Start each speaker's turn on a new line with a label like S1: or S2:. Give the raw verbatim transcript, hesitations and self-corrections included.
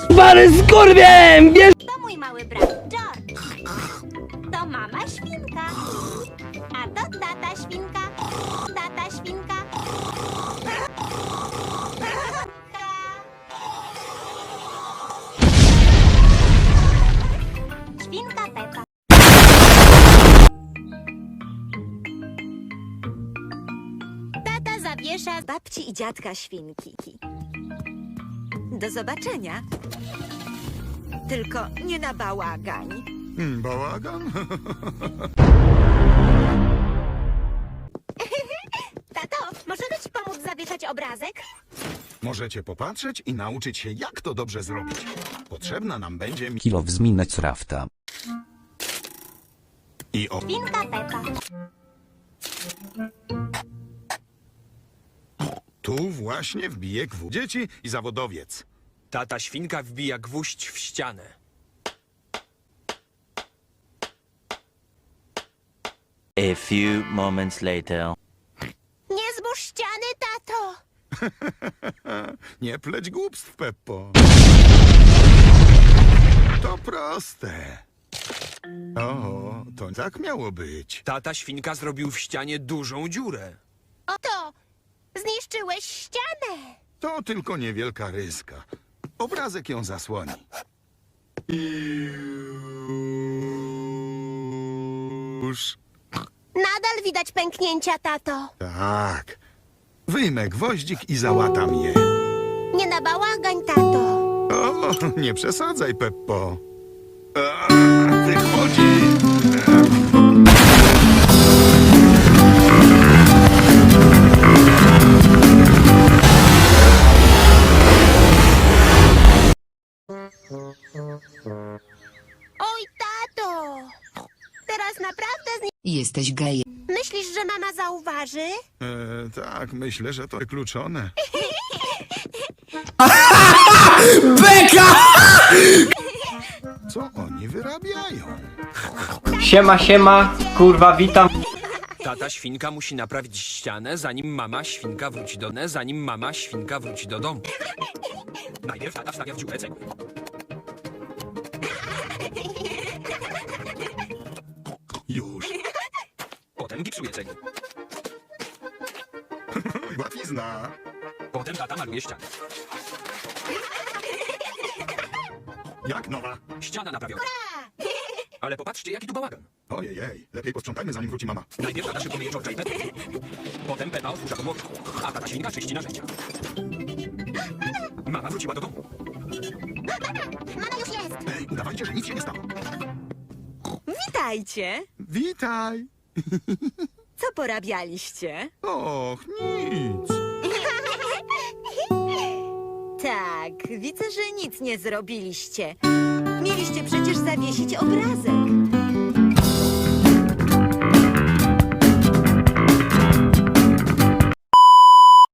S1: Pary skurwiem! Wiesz...
S2: To mój mały brat George. To mama świnka. A to tata świnka. Tata świnka. Świnka Pepa.
S3: Tata zawiesza babci i dziadka świnki. Do zobaczenia. Tylko nie na bałagań.
S4: Hmm, bałagan?
S3: Tato, możemy ci pomóc zawieszać obrazek?
S4: Możecie popatrzeć i nauczyć się, jak to dobrze zrobić. Potrzebna nam będzie mi...
S5: Kilo wzminać rafta.
S4: I o...
S2: Świnka Pepa.
S4: Tu właśnie wbije gwóźdź. Dzieci i zawodowiec.
S6: Tata świnka wbija gwóźdź w ścianę.
S7: A few moments later.
S3: Nie zburz ściany, tato!
S4: Nie pleć głupstw, Peppo. To proste. O, to tak miało być.
S6: Tata świnka zrobił w ścianie dużą dziurę.
S3: Oto! Zniszczyłeś ścianę!
S4: To tylko niewielka ryska. Obrazek ją zasłoni. Już.
S3: Nadal widać pęknięcia, tato.
S4: Tak. Wyjmę gwoździk i załatam je.
S3: Nie na bałagań, tato.
S4: O, nie przesadzaj, Peppo. A, wychodzi.
S3: Oj, tato! Teraz naprawdę zni...
S8: Jesteś gejem.
S3: Myślisz, że mama zauważy?
S4: E, tak, myślę, że to wykluczone.
S1: Beka!
S4: Co oni wyrabiają?
S1: Siema, siema, kurwa, witam.
S6: Tata świnka musi naprawić ścianę, zanim mama świnka wróci do domu. Zanim mama świnka wróci do domu. Najpierw tata wstawia w dziurę cegły.
S4: Już.
S6: Potem gipsuje cegły.
S4: Łatwizna.
S6: Potem tata maluje ścianę.
S4: Jak nowa?
S6: Ściana naprawiona. Ale popatrzcie, jaki tu bałagan.
S4: Ojej, lepiej posprzątajmy, zanim wróci mama.
S6: Najpierw tata szybko myje George'a i Pepę. Potem Pepa odkurza podłogę, a tata świnka czyści narzędzia. Mama wróciła do domu.
S3: Mama już jest!
S4: Ej, udawajcie, że nic się nie stało.
S3: Witajcie!
S4: Witaj.
S3: Co porabialiście?
S4: Och, nic.
S3: Tak, widzę, że nic nie zrobiliście. Mieliście przecież zawiesić obrazek.